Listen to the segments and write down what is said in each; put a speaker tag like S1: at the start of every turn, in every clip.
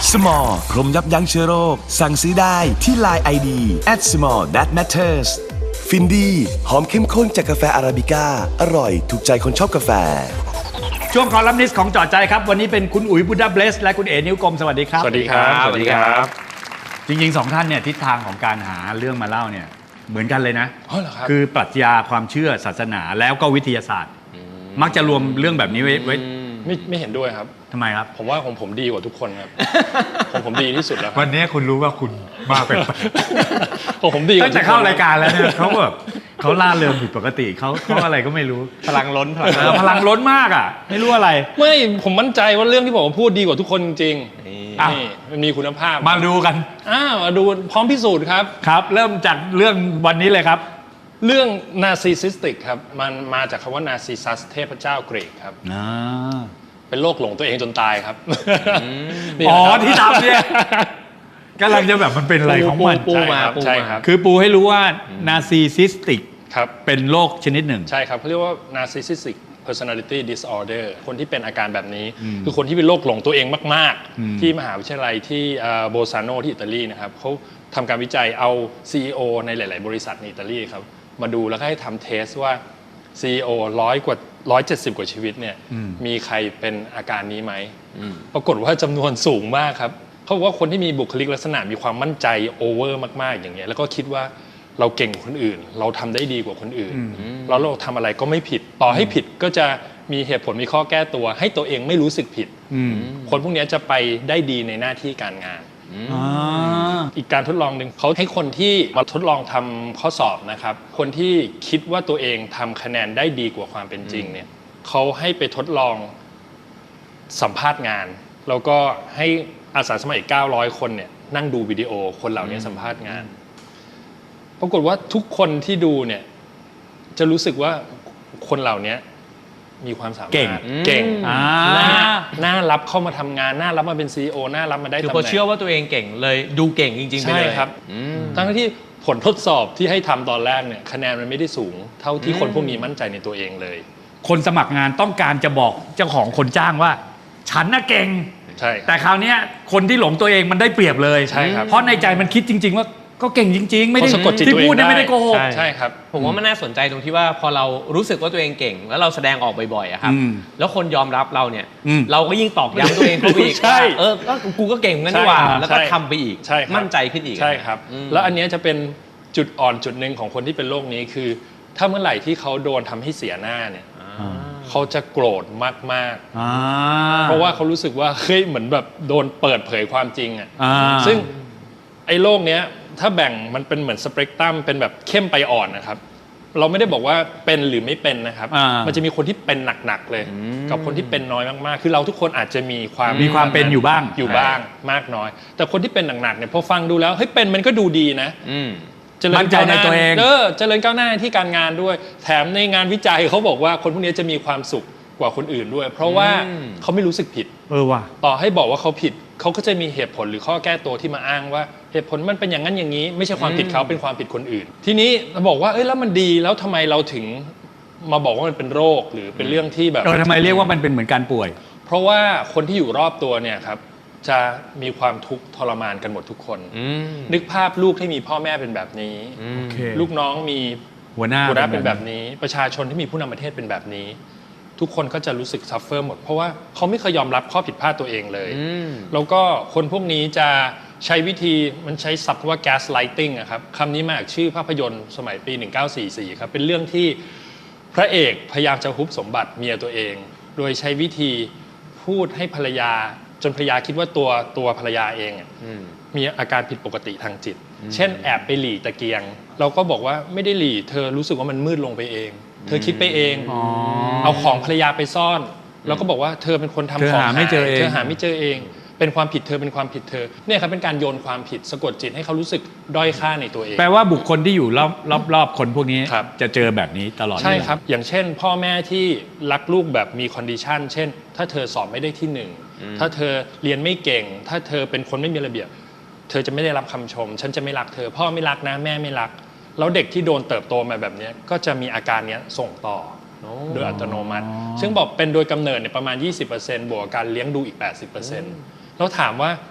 S1: Small พรมยับยั้งเชื้อโรคสั่งซื้อได้ที่ Line ID @small-that-matters ฟินดีหอมเข้มข้นจากกาแฟอาราบิก้าอร่อยถูกใจคนชอบกาแฟ
S2: ช่วงคอลัมนิสต์ของจอดใจครับวันนี้เป็นคุณอุ๋ยบุดาเบสและคุณเอ๋นิ้วกลมสวัสดีครับ
S3: สวัสดีครับสวัสดีครับ
S2: จริงๆสองท่านเนี่ยทิศทางของการหาเรื่องมาเล่าเนี่ยเหมือนกันเลยนะ
S3: เหรอครับ
S2: คือปรัชญาความเชื่อศาสนาแล้วก็วิทยาศาสตร์มักจะรวมเรื่องแบบนี้ไว้
S3: ไม่เห็นด้วยครับ
S2: ทำไมครับ
S3: ผมว่าของผมดีกว่าทุกคนครับผมดีที่สุดแล้ว
S2: วันนี้คุณรู้ว่าคุณมาเป็น
S3: ของผมดี
S2: ตั้งแต่เข้ารายการแล้วเนี่ยเขาแบบเขาล่าเริงผิดปกติเขาอะไรก็ไม่รู้
S3: พลังล้น
S2: พลังล้นมากอ่ะไม่รู้อะไร
S3: ไม่ผมมั่นใจว่าเรื่องที่ผมพูดดีกว่าทุกคนจริงนี่มันมีคุณภาพ
S2: มาดูกัน
S3: มาดูพร้อมพิสูจน์ครับ
S2: ครับเริ่มจากเรื่องวันนี้เลยครับ
S3: เรื่อง narcissistic ครับมันมาจากคำว่า narcissus เทพเจ้ากรีกครับเป็นโรคหลงตัวเองจนตายครับ
S2: อ๋อที่ทำเนี่ยกำลังจะแบบมันเป็นอะไรของมัน
S3: ใช่ครับ
S2: คือปูให้รู้ว่า narcissistic
S3: ครับ
S2: เป็นโรคชนิดหนึ่ง
S3: ใช่ครับเขาเรียกว่า narcissistic personality disorder คนที่เป็นอาการแบบนี้คือคนที่เป็นโรคหลงตัวเองมากๆที่มหาวิทยาลัยที่โบซาโนที่อิตาลีนะครับเขาทำการวิจัยเอา CEO ในหลายๆบริษัทในอิตาลีครับมาดูแล้วก็ให้ทำเทสว่า CEO 170 กว่าชีวิตเนี่ยมีใครเป็นอาการนี้ไหมปรากฏว่าจำนวนสูงมากครับเขาบอกว่าคนที่มีบุคลิกลักษณะมีความมั่นใจโอเวอร์มากๆอย่างเงี้ยแล้วก็คิดว่าเราเก่งกว่าคนอื่นเราทำได้ดีกว่าคนอื่นแล้วเราทำอะไรก็ไม่ผิดต่อให้ผิดก็จะมีเหตุผลมีข้อแก้ตัวให้ตัวเองไม่รู้สึกผิดคนพวกนี้จะไปได้ดีในหน้าที่การงานอีกการทดลองหนึ่งเขาให้คนที่มาทดลองทำข้อสอบนะครับคนที่คิดว่าตัวเองทำคะแนนได้ดีกว่าความเป็นจริงเนี่ยเขาให้ไปทดลองสัมภาษณ์งานแล้วก็ให้อาสาสมัครอีก900 คนเนี่ยนั่งดูวิดีโอคนเหล่านี้สัมภาษณ์งานปรากฏว่าทุกคนที่ดูเนี่ยจะรู้สึกว่าคนเหล่านี้มีความสามารถเก่งน่ารับเข้ามาทำงานน่ารับมาเป็น CEO น่ารับมาได้ตำแหน่ง
S4: คือพอเชื่อว่าตัวเองเก่งเลยดูเก่งจริงๆไปเลย
S3: ใช่ครับทั้งที่ผลทดสอบที่ให้ทำตอนแรกเนี่ยคะแนนมันไม่ได้สูงเท่าที่คนพวกนี้มั่นใจในตัวเองเลย
S2: คนสมัครงานต้องการจะบอกเจ้าของคนจ้างว่าฉันน่ะเก่ง
S3: ใช่
S2: แต่คราวนี้คนที่หลงตัวเองมันได้เปรียบเลย
S3: ใช่ครับ
S2: เพราะในใจมันคิดจริงๆว่าก็เก่งจริงๆไม่ได้ที่พูดเนี่ยไม่ได้โกหก
S3: ใช่ครับ
S4: ผมว่ามันน่าสนใจตรงที่ว่าพอเรารู้สึกว่าตัวเองเก่งแล้วเราแสดงออกบ่อยๆครับแล้วคนยอมรับเราเนี่ยเราก็ยิ่งตอกย้ำตัวเองเข้าไปอีกว่าก็กูก็เก่งงั้นดีกว่าแล้วก็ทำไปอีกมั่นใจขึ้นอีก
S3: ใช่ครับแล้วอันนี้จะเป็นจุดอ่อนจุดหนึ่งของคนที่เป็นโรคนี้คือถ้าเมื่อไหร่ที่เขาโดนทำให้เสียหน้าเนี่ยเขาจะโกรธมากๆเพราะว่าเขารู้สึกว่าเฮ้ยเหมือนแบบโดนเปิดเผยความจริงอ่ะซึ่งไอ้โรคเนี้ยถ้าแบ่งมันเป็นเหมือนสเปกตรัมเป็นแบบเข้มไปอ่อนนะครับเราไม่ได้บอกว่าเป็นหรือไม่เป็นนะครับมันจะมีคนที่เป็นหนักๆเลยกับคนที่เป็นน้อยมากๆคือเราทุกคนอาจจะมีความ
S2: เป็นอยู่บ้าง
S3: มากน้อยแต่คนที่เป็นหนักๆเนี่ยพอฟังดูแล้วเฮ้ยเป็นมันก็ดูดีนะ
S2: เจริญก้าวหน้าในตัวเอง
S3: เจริญก้าวหน้าที่การงานด้วยแถมในงานวิจัยเขาบอกว่าคนพวกนี้จะมีความสุขกว่าคนอื่นด้วยเพราะว่าเขาไม่รู้สึกผิด
S2: ว่ะ
S3: ต่อให้บอกว่าเขาผิดเขาก็จะมีเหตุผลหรือข้อแก้ตัวที่มาอ้างว่าเหตุผลมันเป็นอย่างนั้นอย่างนี้ไม่ใช่ความผิดเขาเป็นความผิดคนอื่นทีนี้เราบอกว่าแล้วมันดีแล้วทำไมเราถึงมาบอกว่ามันเป็นโรคหรือเป็นเรื่องที่แบบ
S2: ทำไมเรียกว่ามันเป็นเหมือนการป่วย
S3: เพราะว่าคนที่อยู่รอบตัวเนี่ยครับจะมีความทุกข์ทรมานกันหมดทุกคนนึกภาพลูกที่มีพ่อแม่เป็นแบบนี้ลูกน้องมี
S2: หัวหน้า
S3: เป็นแบบนี้ประชาชนที่มีผู้นำประเทศเป็นแบบนี้ทุกคนก็จะรู้สึกซัฟเฟอร์หมดเพราะว่าเขาไม่เคยยอมรับข้อผิดพลาดตัวเองเลยแล้วก็คนพวกนี้จะใช้วิธีมันใช้ศัพท์ว่า gaslighting อะครับคำนี้มาจากชื่อภาพยนตร์สมัยปี1944ครับเป็นเรื่องที่พระเอกพยายามจะฮุบสมบัติเมียตัวเองโดยใช้วิธีพูดให้ภรรยาจนภรรยาคิดว่าตัวภรรยาเองมีอาการผิดปกติทางจิตเช่นแอบไปหลีตะเกียงเราก็บอกว่าไม่ได้หลีเธอรู้สึกว่ามันมืดลงไปเองเธอคิดไปเองเอาของภรรยาไปซ่อนแล้วก็บอกว่าเธอเป็นคนทำของหายเธอหาไม่เจอเองเป็นความผิดเธอเป็นความผิดเธอเนี่ยครับเป็นการโยนความผิดสะกดจิตให้เขารู้สึกด้อยค่าในตัวเอง
S2: แปลว่าบุคคลที่อยู่รอบคนพวกนี้จะเจอแบบนี้ตลอด
S3: ใช่ครับอย่างเช่นพ่อแม่ที่รักลูกแบบมีคอนดิชันเช่นถ้าเธอสอบไม่ได้ที่1ถ้าเธอเรียนไม่เก่งถ้าเธอเป็นคนไม่มีระเบียบเธอจะไม่ได้รับคำชมฉันจะไม่รักเธอพ่อไม่รักนะแม่ไม่รักแล้วเด็กที่โดนเติบโตมาแบบนี้ก็จะมีอาการนี้ส่งต่อโดยอัตโนมัติซึ่งบอกเป็นโดยกำเนิดเนี่ยประมาณ 20% บวกการเลี้ยงดูอีก 80% แล้วถามว่า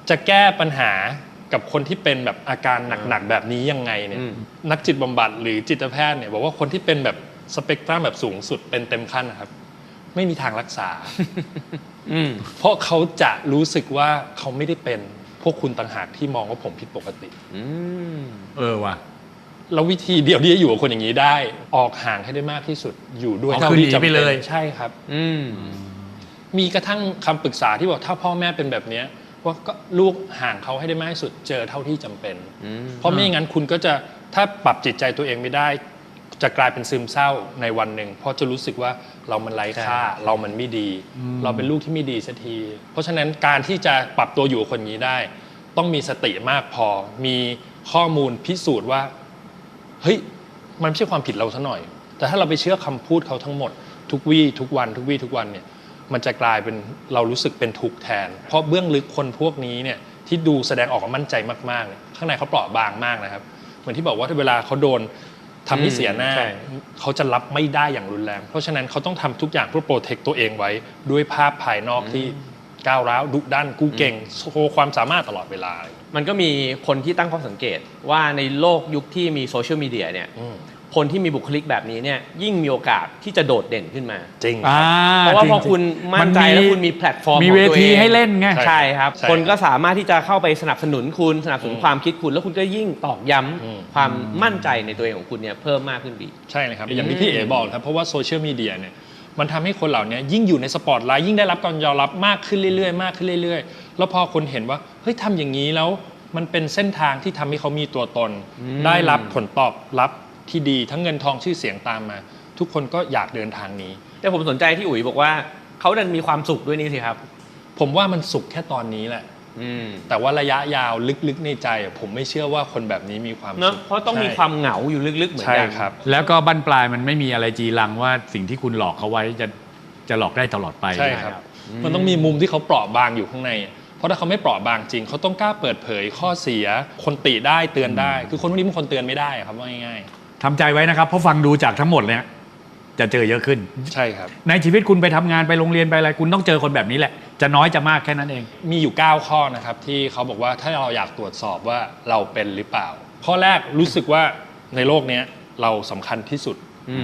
S3: จะแก้ปัญหากับคนที่เป็นแบบอาการหนักๆแบบนี้ยังไงเนี่ยนักจิตบำบัดหรือจิตแพทย์เนี่ยบอกว่าคนที่เป็นแบบสเปกตรัมแบบสูงสุดเป็นเต็มขั้นนะครับไม่มีทางรักษาเพราะเขาจะรู้สึกว่าเขาไม่ได้เป็นพวกคุณต่างหากที่มองว่าผมผิดปกติ
S2: ว่ะ
S3: แล้ววิธีเดียวที่จะอยู่กับคนอย่างนี้ได้ออกห่างให้ได้มากที่สุดอยู่ด้วยเท่าที่จำเป็นใช่ครับมีกระทั่งคำปรึกษาที่บอกถ้าพ่อแม่เป็นแบบนี้ว่าก็ลูกห่างเขาให้ได้มากที่สุดเจอเท่าที่จำเป็นเพราะไม่อย่างนั้นคุณก็จะถ้าปรับจิตใจตัวเองไม่ได้จะกลายเป็นซึมเศร้าในวันหนึ่งเพราะจะรู้สึกว่าเรามันไร้ค่าเรามันไม่ดีเราเป็นลูกที่ไม่ดีสักทีเพราะฉะนั้นการที่จะปรับตัวอยู่กับคนนี้ได้ต้องมีสติมากพอมีข้อมูลพิสูจน์ว่าเฮ้ยมันไม่ใช่ความผิดเราซะหน่อยแต่ถ้าเราไปเชื่อคำพูดเขาทั้งหมดทุกวี่ทุกวันเนี่ยมันจะกลายเป็นเรารู้สึกเป็นทุกข์แทนเพราะเบื้องลึกคนพวกนี้เนี่ยที่ดูแสดงออกมามั่นใจมากๆข้างในเขาเปราะบางมากนะครับเหมือนที่บอกว่าเวลาเขาโดนทำให้เสียหน้าเขาจะรับไม่ได้อย่างรุนแรงเพราะฉะนั้นเขาต้องทำทุกอย่างเพื่อโปรเทคตัวเองไว้ด้วยภาพภายนอกที่ก้าวร้าวดุดันกูเก่งโชว์ความสามารถตลอดเวลา
S4: มันก็มีคนที่ตั้งข้อสังเกตว่าในโลกยุคที่มีโซเชียลมีเดียเนี่ยคนที่มีบุคลิกแบบนี้เนี่ยยิ่งมีโอกาสที่จะโดดเด่นขึ้นมา
S3: จริง
S4: เพราะว่าพอคุณมั่นใจแล้วคุณมีแพลตฟอร์ม
S2: มีเวทีให้เล่นไง
S4: ใช่ครับคนก็สามารถที่จะเข้าไปสนับสนุนคุณสนับสนุนความคิดคุณแล้วคุณก็ยิ่งตอกย้ำความมั่นใจในตัวเองของคุณเนี่ยเพิ่มมากขึ้นดี
S3: ใช่เลยครับอย่างที่พี่เอ๋บอกครับเพราะว่าโซเชียลมีเดียเนี่ยมันทำให้คนเหล่านี้ยิ่งอยู่ในสปอตไลท์ยิ่งได้รับการยอมรับมากขึ้นเรื่อยๆมากขึ้นเรื่อยๆแล้วพอคนเห็นว่าเฮ้ยทำอย่างนี้แล้วมันเป็นเส้นทางที่ทำให้เขามีตัวตนได้รับผลตอบรับที่ดีทั้งเงินทองชื่อเสียงตามมาทุกคนก็อยากเดินทางนี้
S4: แต่ผมสนใจที่อุ๋ยบอกว่าเขาดันมีความสุขด้วยนี่สิครับ
S3: ผมว่ามันสุขแค่ตอนนี้แหละแต่ว่าระยะยาวลึกๆในใจผมไม่เชื่อว่าคนแบบนี้มีความสุข
S4: เพราะต้องมีความเหงาอยู่ลึกๆเหมือนกัน
S3: ใช่ครับ
S2: แล้วก็บั้นปลายมันไม่มีอะไรจีรังว่าสิ่งที่คุณหลอกเขาไว้จะหลอกได้ตลอดไป
S3: ใช่ครับมันต้องมีมุมที่เขาเปราะบางอยู่ข้างในเพราะถ้าเขาไม่เปราะบางจริงเขาต้องกล้าเปิดเผยข้อเสียคนติได้เตือนได้คือคนพวกนี้มันคนเตือนไม่ได้ครับว่าง่าย
S2: ๆทำใจไว้นะครับเพราะฟังดูจากทั้งหมดเนี่ยจะเจอเยอะขึ้น
S3: ใช่ครับ
S2: ในชีวิตคุณไปทำงานไปโรงเรียนไปอะไรคุณต้องเจอคนแบบนี้แหละจะน้อยจะมากแค่นั้นเอง
S3: มีอยู่9ข้อนะครับที่เขาบอกว่าถ้าเราอยากตรวจสอบว่าเราเป็นหรือเปล่าข้อแรกรู้สึกว่าในโลกนี้เราสำคัญที่สุด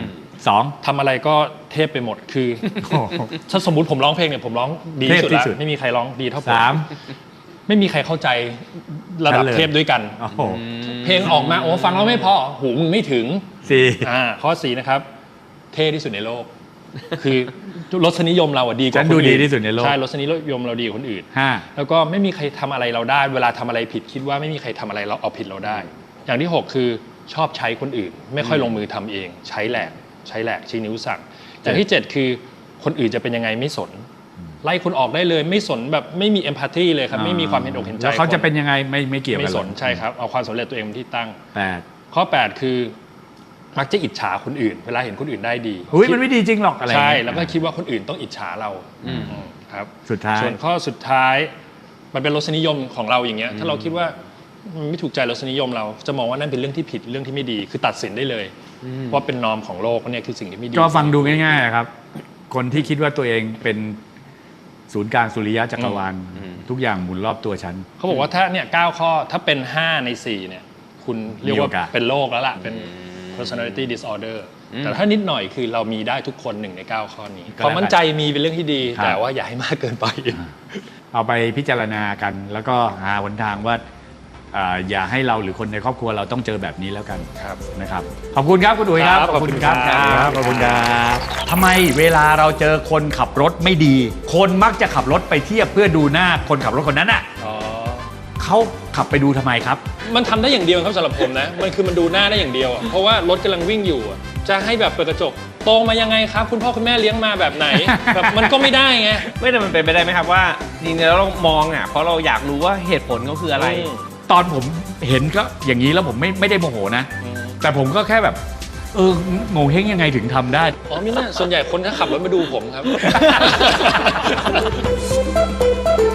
S2: 2
S3: ทำอะไรก็เทพไปหมดคือถ้าสมมุติผมร้องเพลงเนี่ยผมร้องดีที่สุดแล้วไม่มีใครร้องดีเท่าผมไม่มีใครเข้าใจระดับเทพด้วยกันเพลงออกมาโอ้ฟังแล้วไม่พอหูมึงไม่ถึงข้อ4นะครับเท่ที่สุดในโลกคือรสนิยมเราดีกว่าคนอื่น
S2: ดีที่สุดในโลก
S3: ใช่รสนิยมเราดีกว่าคนอื่นแล้วก็ไม่มีใครทำอะไรเราได้เวลาทำอะไรผิดคิดว่าไม่มีใครทำอะไรเราเอาผิดเราได้อย่างที่6คือชอบใช้คนอื่นไม่ค่อยลงมือทำเองใช้แหลกชี้นิ้วสั่งอย่างที่7คือคนอื่นจะเป็นยังไงไม่สนไล่คนออกได้เลยไม่สนแบบไม่มีเอมพัตตีเลยครับไม่มีความเห็นอกเห็นใจ
S2: แล้วเขาจะเป็นยังไงไม่เกี่ยวกัน
S3: ไม่สนใช่ครับเอาความสำเร็จตัวเองเป็นที่ตั้งข้อ8คือมักจะอิจฉาคนอื่นเวลาเห็นคนอื่นได้ดี
S2: มันไม่ดีจริงหรอกอะไร
S3: ใช่แล้วก็คิดว่าคนอื่นต้องอิจฉาเราครับ
S2: สุดท้าย
S3: ส่วนข้อสุดท้ายมันเป็นรสนิยมของเราอย่างเงี้ยถ้าเราคิดว่าไม่ถูกใจรสนิยมเราจะมองว่านั่นเป็นเรื่องที่ผิดเรื่องที่ไม่ดีคือตัดสินได้เลยว่าเป็นนอร์มของโลกเนี่ยคือสิ่งที่ไม่ดี
S2: ก็ฟังดูง่ายๆครับคนที่คิดว่าตัวเองเป็นศูนย์กลางสุริยะจักรวาลทุกอย่างหมุนรอบตัวฉัน
S3: เขาบอกว่าถ้าเนี่ย9ข้อถ้าเป็น5ใน4เนี่ยคุณเรียกว่าเป็นโรคแล้วล่ะเป็น personality disorder แต่ถ้านิดหน่อยคือเรามีได้ทุกคน1ใน9ข้อนี้ความมั่นใจมีเป็นเรื่องที่ดีแต่ว่าอย่าให้มากเกินไป
S2: เอาไปพิจารณากันแล้วก็หาหนทางว่าอย่าให้เราหรือคนในครอบครัวเราต้องเจอแบบนี้แล้วกันนะครับขอบคุณครับคุณอุ๋ยครับ
S3: ขอบคุณครับ
S2: ขอบคุณครับทำไมเวลาเราเจอคนขับรถไม่ดีคนมักจะขับรถไปเทียบเพื่อดูหน้าคนขับรถคนนั้นอ่ะเขาขับไปดูทำไมครับ
S3: มันทำได้อย่างเดียวครับสำหรับผมนะมันคือมันดูหน้าได้อย่างเดียวเพราะว่ารถกำลังวิ่งอยู่จะให้แบบเปิดกระจกโตมายังไงครับคุณพ่อคุณแม่เลี้ยงมาแบบไหนแบบมันก็ไม่ได้ไง
S4: ไม่แต่มันเป็นไปได้ไหมครับว่าจริงๆแล้วเรามองเพราะเราอยากรู้ว่าเหตุผลเขาคืออะไร
S2: ตอนผมเห็นก็อย่างนี้แล้วผมไม่ได้โมโหนะแต่ผมก็แค่แบบโง่เฮงยังไงถึงทำได้
S3: ไม่น่าส่วนใหญ่คนก็ขับรถมาดูผมครับ